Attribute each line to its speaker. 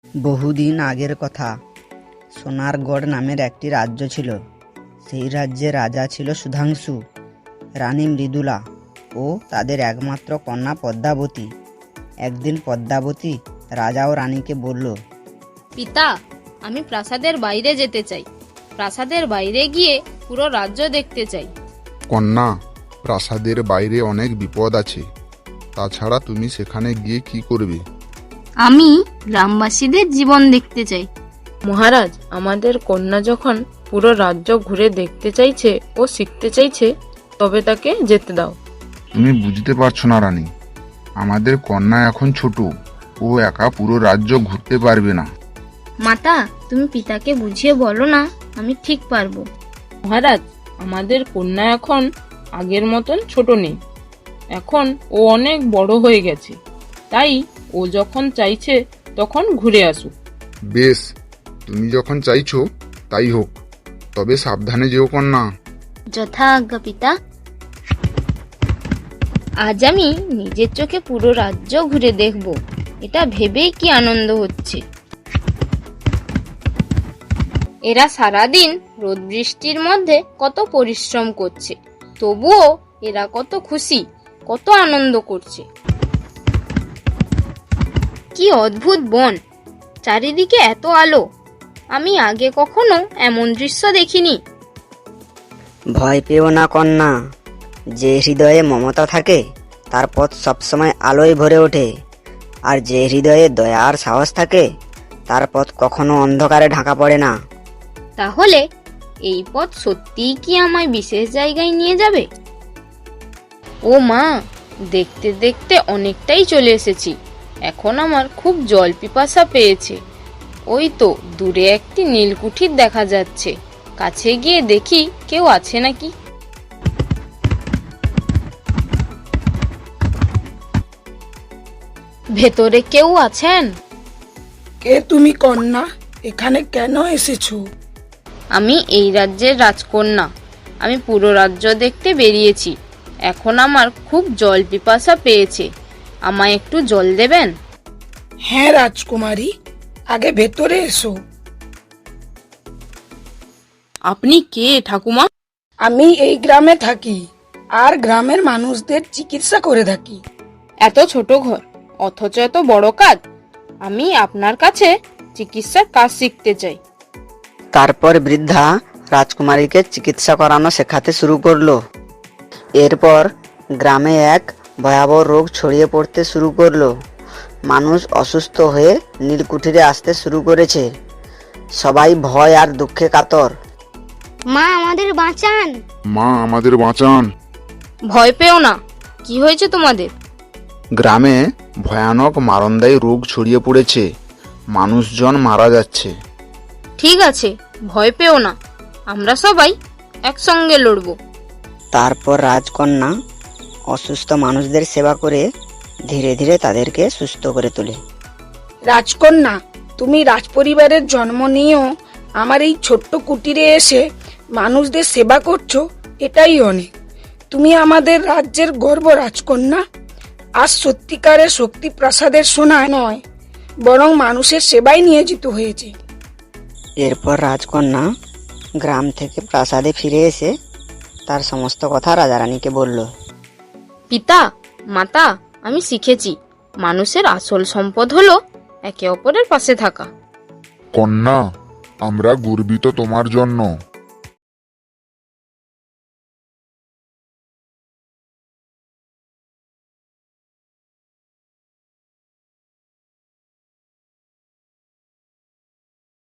Speaker 1: বহুদিন আগের কথা। সোনারগড় নামের একটি রাজ্য ছিল। সেই রাজ্যে রাজা ছিল সুধাংশু, রানী মৃদুলা ও তাদের একমাত্র কন্যা পদ্মাবতী। একদিন পদ্মাবতী রাজা ও রানীকে বলল,
Speaker 2: পিতা, আমি প্রাসাদের বাইরে যেতে চাই। প্রাসাদের বাইরে গিয়ে পুরো রাজ্য দেখতে চাই।
Speaker 3: কন্যা, প্রাসাদের বাইরে অনেক বিপদ আছে। তাছাড়া তুমি সেখানে গিয়ে কি করবে?
Speaker 2: আমি গ্রামবাসীদের জীবন দেখতে চাই।
Speaker 4: মহারাজ, আমাদের কন্যা যখন পুরো রাজ্য ঘুরে দেখতে চাইছে ও শিখতে চাইছে, তবে তাকে যেতে দাও।
Speaker 3: তুমি বুঝতে পারছো না রানী, আমাদের কন্যা এখন ছোট, ও একা পুরো রাজ্য ঘুরতে পারবে না।
Speaker 2: মাতা, তুমি পিতাকে বুঝিয়ে বলো না, আমি ঠিক পারবো।
Speaker 4: মহারাজ, আমাদের কন্যা এখন আগের মতন ছোট নেই। এখন ও অনেক বড় হয়ে গেছে, তাই ও যখন চাইছে তখন ঘুরে আসুক।
Speaker 3: বেশ, তুমি যখন চাইছো তাই হোক, তবে সাবধানে যেও কন্যা।
Speaker 2: যথা আজ্ঞা পিতা। আজ আমি নিজের চোখে পুরো রাজ্য ঘুরে দেখব। এটা ভেবেই কি আনন্দ হচ্ছে। এরা সারাদিন রোদ বৃষ্টির মধ্যে কত পরিশ্রম করছে, তবুও এরা কত খুশি, কত আনন্দ করছে। কি অদ্ভুত বন, চারিদিকে এত আলো। আমি আগে কখনো এমন দৃশ্য দেখিনি।
Speaker 1: ভয় পেও না কন্যা, যে হৃদয়ে মমতা থাকে তার পথ সবসময় আলোয় ভরে ওঠে। আর যে হৃদয়ে দয়া আর সাহস থাকে তার পথ কখনো অন্ধকারে ঢাকা পড়ে না।
Speaker 2: তাহলে এই পথ সত্যিই কি আমায় বিশেষ জায়গায় নিয়ে যাবে? ও মা, দেখতে দেখতে অনেকটাই চলে এসেছি। এখন আমার খুব জল পিপাসা পেয়েছে। ওই তো দূরে একটি নীলকুঠির দেখা যাচ্ছে। কাছে গিয়ে দেখি কেউ আছে নাকি। ভেতরে কেউ আছেন?
Speaker 5: কে তুমি কন্যা? এখানে কেন এসেছো?
Speaker 2: আমি এই রাজ্যের রাজকন্যা। আমি পুরো রাজ্য দেখতে বেরিয়েছি। এখন আমার খুব জল পিপাসা পেয়েছে। আমায় একটু জল দেবেন?
Speaker 5: হ্যাঁ রাজকুমারী, আগে ভেতরে এসো।
Speaker 4: আপনি কে ঠাকুমা?
Speaker 5: আমি এই গ্রামে থাকি আর গ্রামের মানুষদের চিকিৎসা করে থাকি।
Speaker 2: এত ছোট ঘর, অথচ এত বড় কাজ। আমি আপনার কাছে চিকিৎসার কাজ শিখতে চাই।
Speaker 1: তারপর বৃদ্ধা রাজকুমারীকে চিকিৎসা করানো শেখাতে শুরু করলো। এরপর গ্রামে এক ভয়াবহ রোগ ছড়িয়ে পড়তে শুরু করলো। মানুষ অসুস্থ হয়ে নীলকুঠিরে আসতে শুরু করেছে। সবাই ভয় আর দুঃখে কাতর।
Speaker 6: মা, আমাদের বাঁচান।
Speaker 3: মা, আমাদের বাঁচান।
Speaker 2: ভয় পেও না। কি হয়েছে তোমাদের?
Speaker 3: গ্রামে ভয়ানক মারণদায়ী রোগ ছড়িয়ে পড়েছে, মানুষজন মারা যাচ্ছে।
Speaker 2: ঠিক আছে, ভয় পেও না। আমরা সবাই একসঙ্গে লড়বো।
Speaker 1: তারপর রাজকন্যা অসুস্থ মানুষদের সেবা করে ধীরে ধীরে তাদেরকে সুস্থ করে তোলে।
Speaker 5: রাজকন্যা, তুমি রাজপরিবারের জন্ম নিয়েও আমার এই ছোট্ট কুটিরে এসে মানুষদের সেবা করছো, এটাই অনেক। তুমি আমাদের রাজ্যের গর্ব রাজকন্যা। আজ সত্যিকারের শক্তি প্রাসাদের সোনা নয়, বরং মানুষের সেবায় নিয়োজিত হয়েছে।
Speaker 1: এরপর রাজকন্যা গ্রাম থেকে প্রাসাদে ফিরে এসে তার সমস্ত কথা রাজারানীকে বলল।
Speaker 2: পিতা, মাতা, আমি শিখেছি মানুষের আসল সম্পদ হলো একে অপরের পাশে থাকা।
Speaker 3: কন্যা, আমরা গর্বিত তোমার জন্য।